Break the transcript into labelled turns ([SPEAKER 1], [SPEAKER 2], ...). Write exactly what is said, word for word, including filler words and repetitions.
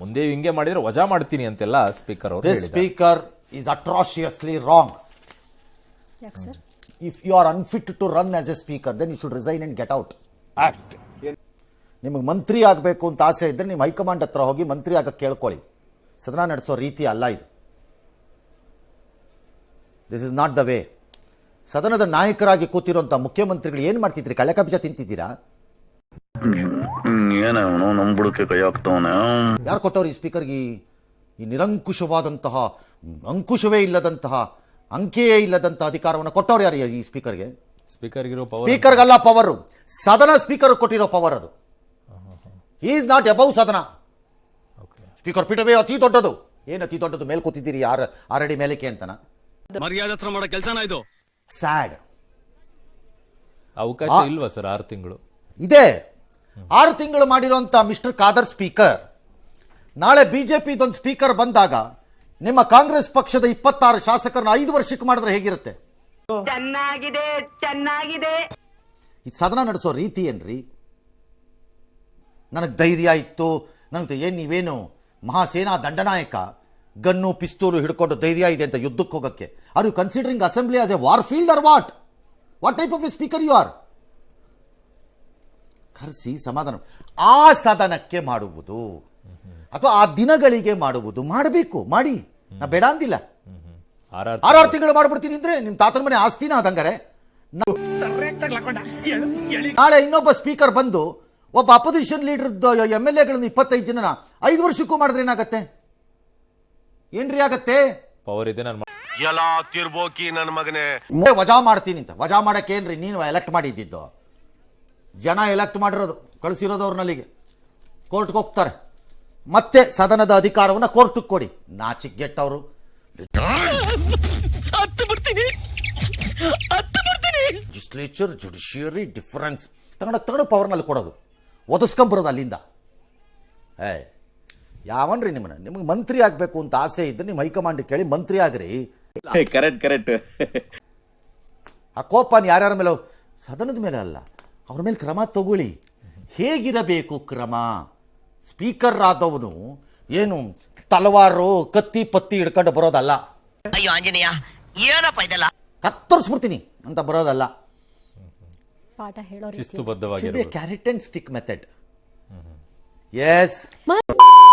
[SPEAKER 1] ಮುಂದೆ ಹಿಂಗೆ ಮಾಡಿದ್ರೆ ವಜಾ ಮಾಡ್ತೀನಿ ಅಂತೆಲ್ಲ ಸ್ಪೀಕರ್ ಅವರು ಹೇಳಿದ್ದಾರೆ.
[SPEAKER 2] Speaker is atrociously wrong.
[SPEAKER 3] ಯಾಕೆ sir?
[SPEAKER 2] If you are unfit to run as a speaker then you should resign and get out. Act. ನಿಮಗೆ ಮಂತ್ರಿ ಆಗಬೇಕು ಅಂತ ಆಸೆ ಇದ್ರೆ ನಿಮ್ಮ ಹೈಕಮಾಂಡ್ ಹತ್ರ ಹೋಗಿ ಮಂತ್ರಿ ಆಗಕ್ಕೆ ಕೇಳ್ಕೊಳ್ಳಿ. ಸದನ ನಡೆಸೋ ರೀತಿ ಅಲ್ಲ ಇದು. This is not the way. ಸದನದ ನಾಯಕರಾಗಿ ಕೂತಿರುವಂತಹ ಮುಖ್ಯಮಂತ್ರಿಗಳು ಏನ್ ಮಾಡ್ತಿದ್ರಿ? ಕಳೆಕ ಬೀಜ ತಿಂತಿದ್ದೀರಾ?
[SPEAKER 4] ಏನವನು ನಮ್ಮ ಬುಡಕ್ಕೆ ಕೈ ಹಾಕ್ತವನೆ.
[SPEAKER 2] ಯಾರು ಕೊಟ್ಟವ್ರು ಈ ಸ್ಪೀಕರ್ಗೆ ಈ ನಿರಂಕುಶವಾದಂತಹ, ಅಂಕುಶವೇ ಇಲ್ಲದಂತಹ, ಅಂಕೆಯೇ ಇಲ್ಲದಂತಹ ಅಧಿಕಾರವನ್ನು ಕೊಟ್ಟವ್ರು ಯಾರು ಈ ಸ್ಪೀಕರ್ಗೆ?
[SPEAKER 1] ಸ್ಪೀಕರ್ಗಿರೋ ಪವರ್
[SPEAKER 2] ಸ್ಪೀಕರ್ಗಲ್ಲ ಪವರ್, ಸದನ ಸ್ಪೀಕರ್ ಕೊಟ್ಟಿರೋ ಪವರ್ ಅದು. ಹಿ ಈಸ್ ನಾಟ್ ಅಬೌವ್ ಸದನ. ಸ್ಪೀಕರ್ ಪೀಠವೇ ಅತಿ ದೊಡ್ಡದು. ಏನು ಅತಿ ದೊಡ್ಡದು? ಮೇಲ್ ಕೂತಿದ್ದೀರಿ ಆರ್ ಆರಡಿ ಮೇಲಕ್ಕೆ ಅಂತನ.
[SPEAKER 5] ಮರ್ಯಾದೆ ಹತ್ರ ಮಾಡೋ ಕೆಲಸನ ಇದು.
[SPEAKER 2] ಸ್ಯಾಡ್.
[SPEAKER 1] ಅವಕಾಶ ಇಲ್ವಾ ಸರ್? ಆರು ತಿಂಗಳು
[SPEAKER 2] ಇದೆ. ಆರು ತಿಂಗಳು ಮಾಡಿರುವಂತ ಮಿಸ್ಟರ್ ಖಾದರ್ ಸ್ಪೀಕರ್ ನಾಳೆ ಬಿಜೆಪಿ ಇದೊಂದು ಸ್ಪೀಕರ್ ಬಂದಾಗ ನಿಮ್ಮ ಕಾಂಗ್ರೆಸ್ ಪಕ್ಷದ ಇಪ್ಪತ್ತಾರು ಶಾಸಕರನ್ನ ಐದು ವರ್ಷಕ್ಕೆ ಮಾಡಿದ್ರೆ ಹೇಗಿರುತ್ತೆ?
[SPEAKER 6] ಚೆನ್ನಾಗಿದೆ ಚೆನ್ನಾಗಿದೆ.
[SPEAKER 2] ಈ ಸದನ ನಡೆಸೋ ರೀತಿ ಏನ್ರಿ? ನನಗೆ ಧೈರ್ಯ ಇತ್ತು, ನನಗೆ ಏನು ನೀವೇನು ಮಹಾಸೇನಾ ದಂಡನಾಯಕ, ಗನ್ನು ಪಿಸ್ತೂಲು ಹಿಡ್ಕೊಂಡು ಧೈರ್ಯ ಇದೆ ಅಂತ ಯುದ್ಧಕ್ಕೆ ಹೋಗಕ್ಕೆ? Are you considering assembly as a war field or what? What type of a speaker you are? ಕರೆಸಿ ಸಮಾಧಾನ. ಆ ಸದನಕ್ಕೆ ಮಾಡುವುದು ಅಥವಾ ಆ ದಿನಗಳಿಗೆ ಮಾಡುವುದು ಮಾಡಬೇಕು, ಮಾಡಿ. ನಾ ಬೇಡ ಅಂದಿಲ್ಲ. ಆರಾರು ತಿಂಗಳು ಮಾಡ್ಬಿಡ್ತೀನಿ ಅಂದ್ರೆ ನಿಮ್ ತಾತನ ಮನೆ ಆಸ್ತಿನ ಅದಂಗಾರೆ. ನಾಳೆ ಇನ್ನೊಬ್ಬ ಸ್ಪೀಕರ್ ಬಂದು ಒಬ್ಬ ಅಪೋಸಿಷನ್ ಲೀಡರ್ ಎಂ ಎಲ್ ಎಗಳನ್ನು ಇಪ್ಪತ್ತೈದು ಜನನ ಐದು ವರ್ಷಕ್ಕೂ ಮಾಡಿದ್ರೆ ಏನಾಗತ್ತೆ? ಏನ್ರಿ ಆಗತ್ತೆ?
[SPEAKER 1] ಪವರ್ ಇದೆ. ನಾನು
[SPEAKER 4] ಎಲ್ಲ ತಿರ್ಬೋಕಿ ನನ್ನ ಮಗನೇ.
[SPEAKER 2] ವಜಾ ಮಾಡ್ತೀನಿ ಅಂತ. ವಜಾ ಮಾಡಕ್ಕೆ ಏನ್ರಿ ನೀನು ಎಲೆಕ್ಟ್ ಮಾಡಿದ್ದು? ಜನ ಎಲೆಕ್ಟ್ ಮಾಡಿರೋದು, ಕಳಿಸಿರೋದು ಅವ್ರನ್ನಲ್ಲಿಗೆ. ಕೋರ್ಟ್ಗೆ ಹೋಗ್ತಾರೆ, ಮತ್ತೆ ಸದನದ ಅಧಿಕಾರವನ್ನು ಕೋರ್ಟ್ಗೆ ಕೊಡಿ. ನಾಚಿಗೆಟ್ಟವರು. ಲೆಜಿಸ್ಲೇಚರ್ ಜುಡಿಷಿಯರಿ ಡಿಫರೆನ್ಸ್ ತಗೊಂಡ ತಗೊಂಡು ಪವರ್ನಲ್ಲಿ ಕೊಡೋದು, ಒದಸ್ಕೊಂಬರೋದು ಅಲ್ಲಿಂದ. ಏ ಯಾವನ್ರಿ ನಿಮ್ಮನ್ನ? ನಿಮಗೆ ಮಂತ್ರಿ ಆಗಬೇಕು ಅಂತ ಆಸೆ ಇದ್ರೆ ನಿಮ್ಮ ಹೈಕಮಾಂಡ್ ಕೇಳಿ ಮಂತ್ರಿ ಆಗ್ರಿ.
[SPEAKER 4] Correct correct.
[SPEAKER 2] ಆ ಕೋಪ ಯಾರ್ಯಾರ ಮೇಲೆ? ಸದನದ ಮೇಲೆ ಅಲ್ಲ, ಅವ್ರ ಮೇಲೆ ಕ್ರಮ ತಗೊಳ್ಳಿ. ಹೇಗಿರಬೇಕು ಕ್ರಮ? ಸ್ಪೀಕರ್ ಆದವನು ಏನು ತಲವಾರು ಕತ್ತಿ ಪತ್ತಿ ಹಿಡ್ಕೊಂಡು ಬರೋದಲ್ಲ.
[SPEAKER 6] ಅಯ್ಯೋ ಆಂಜನೇಯ, ಏನಪ್ಪ ಇದೆಲ್ಲ?
[SPEAKER 2] ಕತ್ತರಿಸ್ಬಿಡ್ತೀನಿ ಅಂತ ಬರೋದಲ್ಲ.
[SPEAKER 3] ಪಾಠ ಹೇಳೋ
[SPEAKER 1] ಶಿಸ್ತುಬದ್ಧವಾಗಿರ್ಬೇಕು.
[SPEAKER 2] Carrot and stick method. S.